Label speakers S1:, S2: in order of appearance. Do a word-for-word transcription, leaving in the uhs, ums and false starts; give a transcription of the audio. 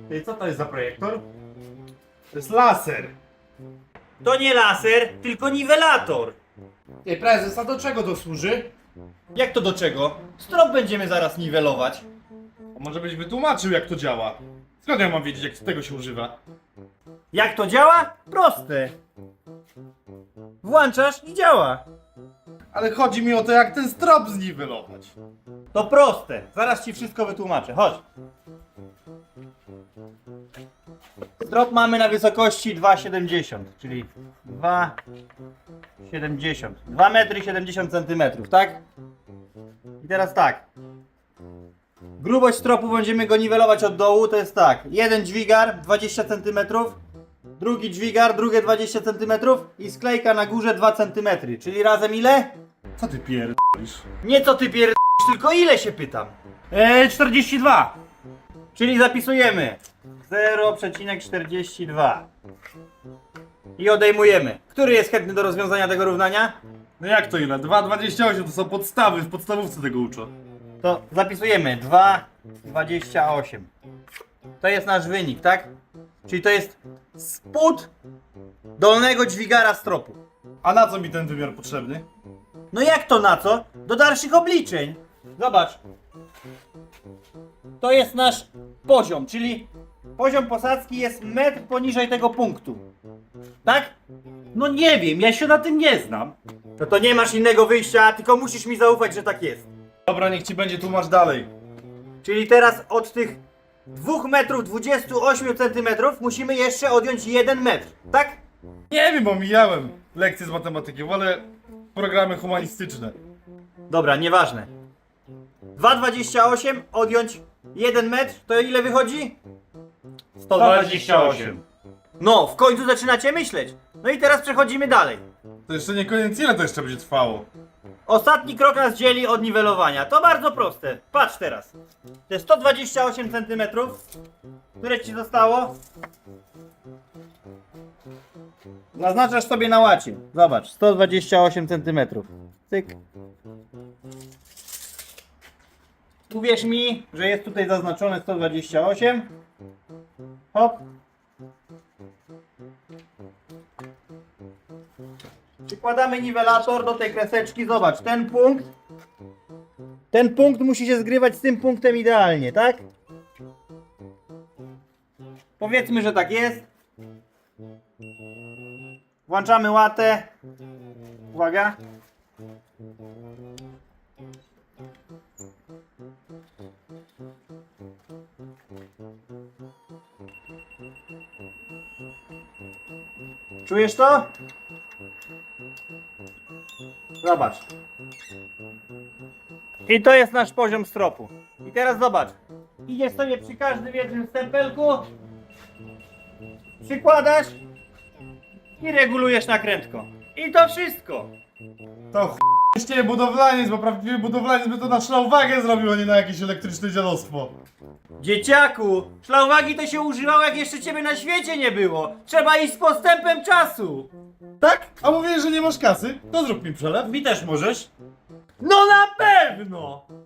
S1: Ty, co to jest za projektor? To jest laser.
S2: To nie laser, tylko niwelator.
S1: Ej, prezes, a do czego to służy?
S2: Jak to do czego? Strop będziemy zaraz niwelować.
S1: A może byś wytłumaczył, jak to działa? Skąd ja mam wiedzieć, jak tego się używa?
S2: Jak to działa? Proste. Włączasz i działa.
S1: Ale chodzi mi o to, jak ten strop zniwelować.
S2: To proste. Zaraz ci wszystko wytłumaczę. Chodź. Strop mamy na wysokości dwa siedemdziesiąt, czyli dwa siedemdziesiąt. dwa metry siedemdziesiąt centymetrów, tak? I teraz tak. Grubość stropu będziemy go niwelować od dołu, to jest tak. Jeden dźwigar dwadzieścia centymetrów, drugi dźwigar, drugie dwadzieścia centymetrów i sklejka na górze dwa centymetry, czyli razem ile?
S1: Co ty pierdolisz?
S2: Nie co ty pierd... tylko ile się pytam?
S1: Eee, czterdzieści dwa.
S2: Czyli zapisujemy zero przecinek czterdzieści dwa i odejmujemy. Który jest chętny do rozwiązania tego równania?
S1: No jak to ile? dwa dwadzieścia osiem to są podstawy, w podstawówce tego uczą.
S2: To zapisujemy dwa dwadzieścia osiem. To jest nasz wynik, tak? Czyli to jest spód dolnego dźwigara stropu.
S1: A na co mi ten wymiar potrzebny?
S2: No jak to na co? Do dalszych obliczeń. Zobacz. To jest nasz poziom, czyli poziom posadzki jest metr poniżej tego punktu. Tak?
S1: No nie wiem, ja się na tym nie znam.
S2: No to nie masz innego wyjścia, tylko musisz mi zaufać, że tak jest.
S1: Dobra, niech ci będzie, tłumacz dalej.
S2: Czyli teraz od tych dwa metrów dwadzieścia osiem centymetrów musimy jeszcze odjąć jeden metr, tak?
S1: Nie wiem, omijałem lekcje z matematyki, wolę programy humanistyczne.
S2: Dobra, nieważne. dwa dwadzieścia osiem odjąć jeden metr, to ile wychodzi?
S1: sto dwadzieścia osiem.
S2: No, w końcu zaczynacie myśleć. No i teraz przechodzimy dalej.
S1: To jeszcze nie koniec, ile to jeszcze będzie trwało?
S2: Ostatni krok nas dzieli od niwelowania. To bardzo proste. Patrz teraz. To jest sto dwadzieścia osiem centymetrów. Które ci zostało? Naznaczasz sobie na łacie. Zobacz, sto dwadzieścia osiem centymetrów. Cyk. Uwierz mi, że jest tutaj zaznaczone sto dwadzieścia osiem. Hop. Przykładamy niwelator do tej kreseczki. Zobacz, ten punkt. Ten punkt musi się zgrywać z tym punktem idealnie, tak? Powiedzmy, że tak jest. Włączamy łatę. Uwaga. Czujesz to? Zobacz. I to jest nasz poziom stropu. I teraz zobacz. Idziesz sobie przy każdym jednym stempelku. Przykładasz. I regulujesz nakrętko. I to wszystko.
S1: To ch**ście budowlaniec, bo prawdziwy budowlaniec by to na szlauwagę zrobił, a nie na jakieś elektryczne dziadostwo.
S2: Dzieciaku, szlauwagi to się używało, jak jeszcze ciebie na świecie nie było. Trzeba iść z postępem czasu.
S1: Tak? A mówisz, że nie masz kasy? To zrób mi przelew.
S2: Mi też możesz. No na pewno!